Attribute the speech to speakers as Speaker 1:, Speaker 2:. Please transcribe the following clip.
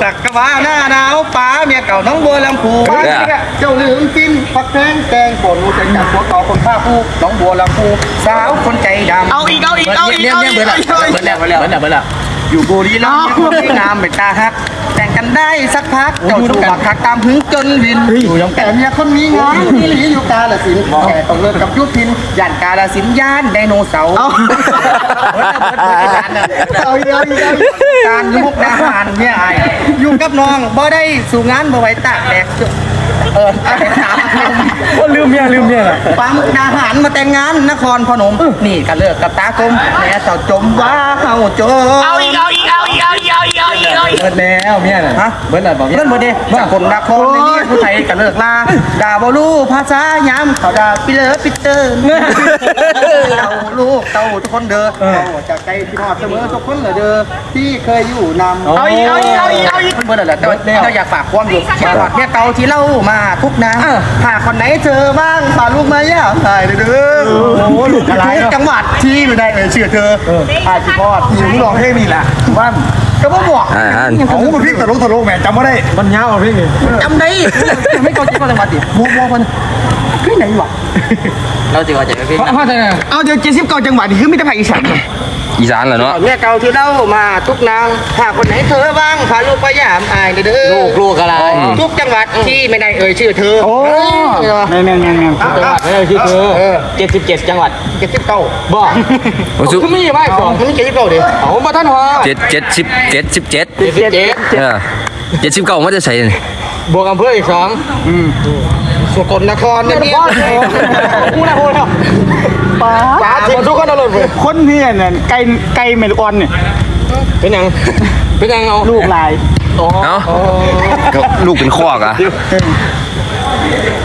Speaker 1: สักกะว่าหน้าหนาวป๋าเมียเก่าน้องบัวลำพูเจ้าลืมกินผักแพงแกงป่นใจจากหัวเก่าคนข้าผู้น้องบัวลำพูสาวคนใจดำ
Speaker 2: เอาอีก
Speaker 1: เนี่ยเบิร์ดละอยู่บุรีรัมย์เนี่ยงามเป็นตาฮักแต่งกันได้สักพักเจ้าสู้บักหักตามหึงจนวินอยู่ยองแต่เมียคนมีงานที่หลีอยู่กาลสินแกต้องเลิกกับยุพินย่านกาลสินย่านไดโนเสาร์เอาการมุกดาหารเนี่ยไออยู่กับน้องบ่ได้สู่งานบ่ไหวตากแดดอะไรถามว่าลืมเมียปามุกดาหารมาแต่งงานนครพนมนี่ก็เลิกกับตากลมแม่เจ้าจมว่าเฮาจม
Speaker 2: เอาอีกเบิร์ด
Speaker 1: แล้วเมียน่ะฮะเบิร์ดอะไรบอกเบิร์ดดิจากคนนครในนี้ผู้ไทยก็เลิกลาด่าบ่รู้ภาษาย้ำเขาด่าปิเลอปิเตอร์เต่าลูกเต่าทุกคนเด้อจากใจที่ทอดเสมอทุกคนเลยเด้อที่เคยอยู่นำ
Speaker 2: เอาอีก
Speaker 1: เบิร์ดอะไรแต่เราอยากฝากความอยู่แค่ทอดเนี่ยเต่าที่เล่ามาทุกนางถ้าคนไหนเจอบ้างฝากลูกมาย่าตายเลยเด้อโอ้ลูกอะไรจังหวัดที่ไม่ได้เชื่อเธออาชีพอดอยู่ร้องเพลงนี่แหละบ้านก็บ่บอก
Speaker 3: เขาเป็นพี่ตลกแม่จำไม่ได้มันยาวอ่ะพี่
Speaker 1: จำได้ไม่เข้าใจว่าจังหวัดดิมัวมันที่ไหนวะ
Speaker 2: เราจะว่าจะไปพี่
Speaker 1: เอาเดี๋ยว79จังหวัดนี่คือมีแต่ภาคอีสาน
Speaker 3: อีสานเหรอเนาะ
Speaker 1: เนี่ยเก่าที่เล่ามาทุกนางถ้าคนไหนเธอบ้างพาลูกไปยามอายเด้อ
Speaker 2: ลูกอะไร
Speaker 1: ทุกจังหวัดที่ไม่ได้ชื่อเธอ
Speaker 3: โอ้แม่
Speaker 2: จังหวัดไม่ได้ชื่อเธอ77จังหวัด
Speaker 1: 79
Speaker 2: บ่คุณมีไหมของ
Speaker 1: คุณมี79ดิ
Speaker 2: เอามาท่านหัว
Speaker 3: 77 79มันจะใส่
Speaker 2: บวกอำเภออีก2
Speaker 1: สกลนครเนี่ย
Speaker 2: พูดแล้วป๋าทิ้งทุกคนเลย
Speaker 3: คนนี่เนี่ยไก่เมลออนเนี่ย
Speaker 2: เป็นยังเอา
Speaker 3: ลูกลาย
Speaker 2: อ๋อ
Speaker 3: ลูกเป็นคอกอ่ะ